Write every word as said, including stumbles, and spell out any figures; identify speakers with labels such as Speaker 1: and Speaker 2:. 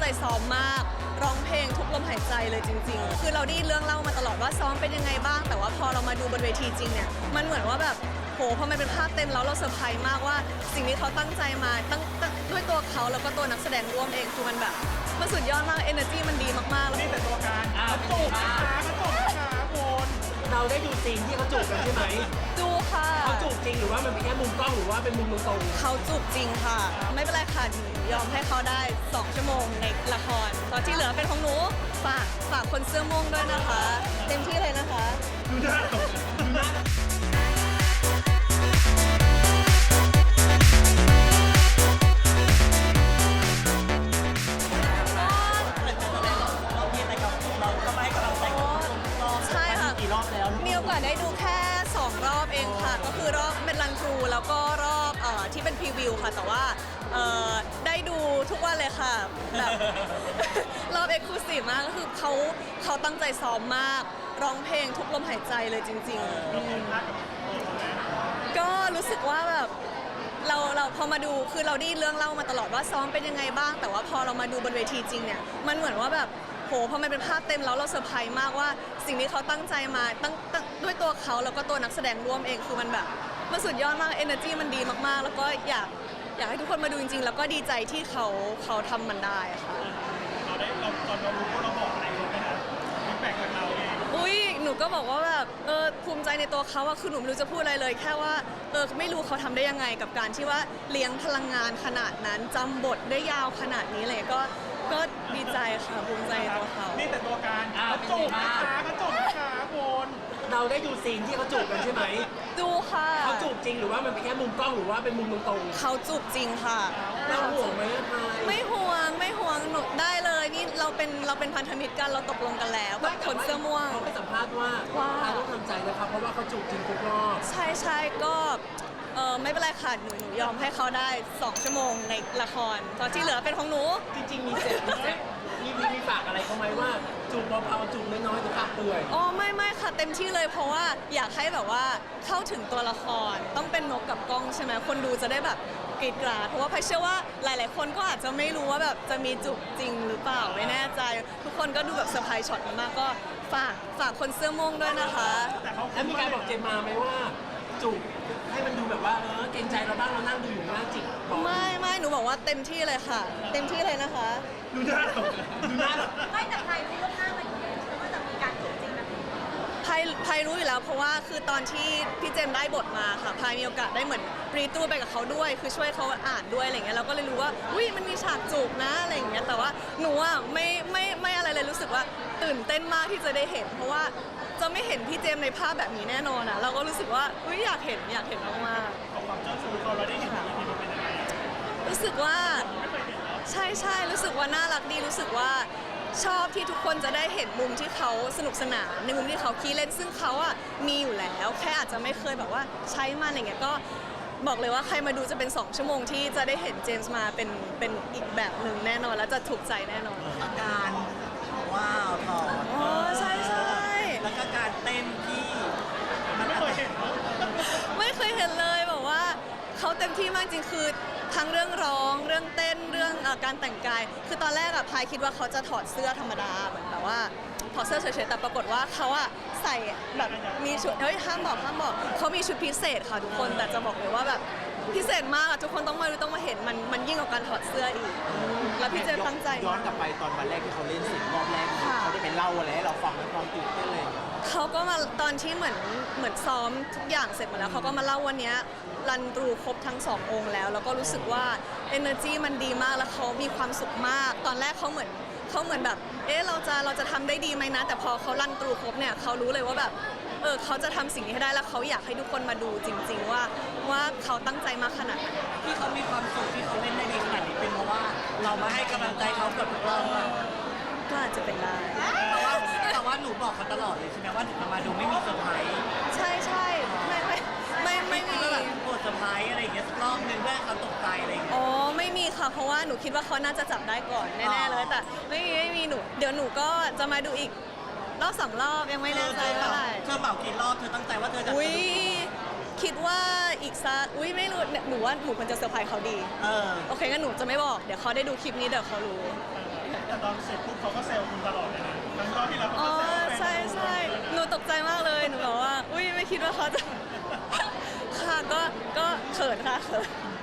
Speaker 1: ซ้อมมากร้องเพลงทุกลมหายใจเลยจริงๆคือเราได้เรื่องเล่ามาตลอดว่าซ้อมเป็นยังไงบ้างแต่ว่าพอเรามาดูบนเวทีจริงเนี่ยมันเหมือนว่าแบบโหพอมันเป็นภาพเต็มแล้วเราเซอร์ไพรส์มากว่าสิ่งที่เขาตั้งใจมาตั้งด้วยตัวเขาแล้วก็ตัวนักแสดงร่วมเองคือมันแบบมันสุดยอดมาก energy มันดีมากๆแล้ว
Speaker 2: นี่แต่ตัวการเขาจูบนะคะเขาจูบนะคะคุณ
Speaker 3: เราได้ดูซีนที่เขาจูบกันใช่ไหม
Speaker 1: ดูค่ะ
Speaker 3: เขาจูบจริงหรือว่ามันเป็นแค่มุมกล้องหรือว่าเป็นมุมตรง
Speaker 1: เขาจูบจริงค่ะไม่เป็นไรค่ะหนูยอมให้เขาได้สองชั่วโมงในละครตอนที่เหลือเป็นของหนูฝากฝากคนเสื้อม่วงด้วยนะคะเต็มที่เลยนะคะ
Speaker 2: ดูหน้าดูหน้า
Speaker 1: มีโอกาสได้ดูแค่สองรอบเองค่ะก็คือรอบเป็นรันทรูแล้วก็รอบเอ่อที่เป็นพรีวิวค่ะแต่ว่าเอ่อได้ดูทุกวันเลยค่ะแบบรอบเอ็กซ์คลูซีฟมากก็คือเขาเขาตั้งใจซ้อมมากร้องเพลงทุกลมหายใจเลยจริงๆก็รู้สึกว่าแบบเราเราพอมาดูคือเราได้เรื่องเล่ามาตลอดว่าซ้อมเป็นยังไงบ้างแต่ว่าพอเรามาดูบนเวทีจริงเนี่ยมันเหมือนว่าแบบโหพอมันเป็นภาพเต็มแล้วเราเซอร์ไพรส์มากว่าสิ่งที่เขาตั้งใจมาตั้งด้วยตัวเขาแล้วก็ตัวนักแสดงร่วมเองคือมันแบบมันสุดยอดมาก energy มันดีมากๆแล้วก็อยากอยากให้ทุกคนมาดูจริงๆแล้วก็ดีใจที่เขาเขาทำมันได้ค่ะ
Speaker 2: เราได้เราตอนเรารู้ว่าเราบอกอะไรเขาไหมนะฟีดแบ็กจากเราเอง
Speaker 1: อุ้ยหนูก็บอกว่าแบบเออภูมิใจในตัวเขาอะคือหนูไม่รู้จะพูดอะไรเลยแค่ว่าเออไม่รู้เขาทำได้ยังไงกับการที่ว่าเลี้ยงพลังงานขนาดนั้นจำบทได้ยาวขนาดนี้เลยก็ก็ดีใจค่ะภูมิใจในตัวเขา
Speaker 2: นี่แต่ตัวการเขาจูบนะคะเขาจูบนะคะคุณ
Speaker 3: เราได้ดูซีนที่เขาจูบกันใช่ไหม
Speaker 1: ดูค่ะ
Speaker 3: เขาจูบจริงหรือว่ามันเป็นแค่มุมกล้องหรือว่าเป็นมุมตรง
Speaker 1: เขาจูบจริงค่ะ
Speaker 3: เราห่วงไหมพาย
Speaker 1: ไม่ห่วงไม่ห่วงหนูได้เลยนี่เราเป็นเราเป็นพันธมิตรกันเราตกลงกันแล้วกับคนเสื้อม่วง
Speaker 3: เขาไปสัมภาษณ์ว่าพายต้องทำใจนะครับเพราะว่าเขาจูบจริงทุกรอบ
Speaker 1: ใช่ใช่ก็เออไม่เป็นไรค่ะหนูหนูยอมให้เขาได้สองชั่วโมงในละครตอนที่เหลือเป็นของหนู
Speaker 3: จริงๆมีเสร็จมีเสร็จมีมีมีฝากอะไรเขาไหมว่าจูบเบาๆจูบน้อยๆจะปากเปื่อย
Speaker 1: อ๋อไม่ไม่ค่ะเต็มที่เลยเพราะว่าอยากให้แบบว่าเข้าถึงตัวละครต้องเป็นนกกับกล้องใช่ไหมคนดูจะได้แบบกรีดกราดเพราะว่าพายเชื่อว่าหลายๆคนก็อาจจะไม่รู้ว่าแบบจะมีจูบจริงหรือเปล่าไม่แน่ใจทุกคนก็ดูแบบเซอร์ไพรส์ช็อตมากก็ฝากฝากคนเสื้อม่วงด้วยนะคะ
Speaker 3: แล้วมีการบอกเจมมาไหมว่าจูบให้มันดูแบบว่าเออเกรงใจเราบ้างเรานั่งดูอยู่หน้าจิก
Speaker 1: ไม่ไม่หนูบอกว่าเต็มที่เลยค่ะเต็มที่เลยนะคะ
Speaker 2: ดูหน้าดูหน้า
Speaker 4: ไม่แต่ใครรู้ล่วงหน้ามาอยู่แล้วว่าจะมีการจูบจริงแบบนี้
Speaker 1: พายพายรู้อยู่แล้วเพราะว่าคือตอนที่พี่เจมได้บทมาค่ะพายมีโอกาสได้เหมือนรีตูไปกับเขาด้วยคือช่วยเขาอ่านด้วยอะไรเงี้ยเราก็เลยรู้ว่าอุ้ยมันมีฉากจูบนะอะไรอย่างเงี้ยแต่ว่าหนูอ่ะไม่ไม่ไม่อะไรเลยรู้สึกว่าตื่นเต้นมากที่จะได้เห็นเพราะว่าจะไม่เห็นพี่เจมในภาพแบบนี้แน่นอนอ่ะเราก็รู้สึกว่าอุ้ยอยากเห็นอยากเห็นมาก
Speaker 2: ๆของความเจ้าชู้เขาเราได้เห็นอีพีมันเป็นยังไง
Speaker 1: รู้สึกว่าใช่ใช่รู้สึกว่าน่ารักดีรู้สึกว่าชอบที่ทุกคนจะได้เห็นมุมที่เขาสนุกสนานในมุมที่เขาขี้เล่นซึ่งเขาอ่ะมีอยู่แล้วแค่อาจจะไม่เคยแบบว่าใช้มันอะไรเงี้ยก็บอกเลยว่าใครมาดูจะเป็นสองชั่วโมงที่จะได้เห็นเจมส์มาเป็นเป็นอีกแบบหนึ่งแน่นอนแล้วจะถูกใจแน่นอน
Speaker 5: การว้าวถอด
Speaker 1: อ๋อใช่ใช่
Speaker 5: แล้วก็การเต้นที่
Speaker 2: มันไม่เคยเห็น
Speaker 1: ไม่เคยเห็นเลยบอกว่าเขาเต็มที่มากจริงคือทั้งเรื่องร้องเรื่องเต้นเรื่องการแต่งกายคือตอนแรกอะพายคิดว่าเขาจะถอดเสื้อธรรมดาเหมือนแบบว่าถอดเสื้อเฉยๆแต่ปรากฏว่าเขาอะใส่แบบมีชุดเฮ้ยห้ามบอกห้ามบอกเขามีชุดพิเศษค่ะทุกคนแต่จะบอกเลยว่าแบบพิเศษมากอะทุกคนต้องมาดูต้องมาเห็นมันมันยิ่งกว่าการถอดเสื้ออีกแล้วพี่เจมตั้งใจ
Speaker 5: ย้อนกลับไปตอนวันแรกที่เขาเล่นสิบรอบแรกเขาจะเป็นเล่าอะไรให้เราฟังในความตื่นเต้นเลย
Speaker 1: เขาก็มาตอนที่เหมือนเหมือนซ้อมทุกอย่างเสร็จหมดแล้วเขาก็มาเล่าวันนี้รันตรูครบทั้งสององค์แล้วแล้วก็รู้สึกว่า energy มันดีมากแล้วเขามีความสุขมากตอนแรกเขาเหมือนเขาเหมือนแบบเอ๊ะเราจะเราจะทำได้ดีไหมนะแต่พอเขารันตรูครบเนี่ยเขารู้เลยว่าแบบเออเขาจะทำสิ่งนี้ให้ได้แล้วเขาอยากให้ทุกคนมาดูจริงๆว่าว่าเขาตั้งใจมากขนาดไหน
Speaker 5: ที่เขามีความสุขที่เขาเล่นได้ดีขนาดนี้เป็นเพราะว่าเรามาให้กำลังใจเขากับทุกรอบ
Speaker 1: ก็อาจจะเป็นได้
Speaker 5: แต่ว่าแต่ว่าหนูบอกเขาตลอดเลยใช่ไหมว่าถึงมาดูไม่มีเซอร์ไพรส์
Speaker 1: ใช่ใช่ไม่ไม่ไม่ไม่มี
Speaker 5: แบบปวดเซอร์ไพรส์อะไรอย่างเงี้ยรอบนึงเพื่อเขาตกใจอะไรอย่างเงี้ย
Speaker 1: อ๋อไม่มีค่ะเพราะว่าหนูคิดว่าเขาน่าจะจับได้ก่อนแน่ๆเลยแต่ไม่มีไม่มีหนูเดี๋ยวหนูก็จะมาดูอีกรอบสองรอบยังไม่แน่ใจเท่าไหร่
Speaker 5: เธอเหมากี่รอบเธอตั้งใจว่าเธอจะ
Speaker 1: อุ้ยคิดว่าอีกสักอุ้ยไม่รู้หนูว่าหนูควรจะเซอร์ไพรส์เขาดี
Speaker 5: เออ
Speaker 1: โอเคงั้นหนูจะไม่บอกเดี๋ยวเขาได้ดูคลิปนี้เดี๋ยวเขารู้
Speaker 2: แต่ตอนเสร็จปุ๊บเขาก็เซลล์คุณตลอดเลยนะทั้งรอบที่เราเขา
Speaker 1: อ๋อ
Speaker 2: ก็เซลล์
Speaker 1: ใช่ใช่หนูตกใจมากเลยหนูบอกว่าอุ้ยไม่คิดว่าเขาจะ ค่ะก็ก็เขินค่ะเขิน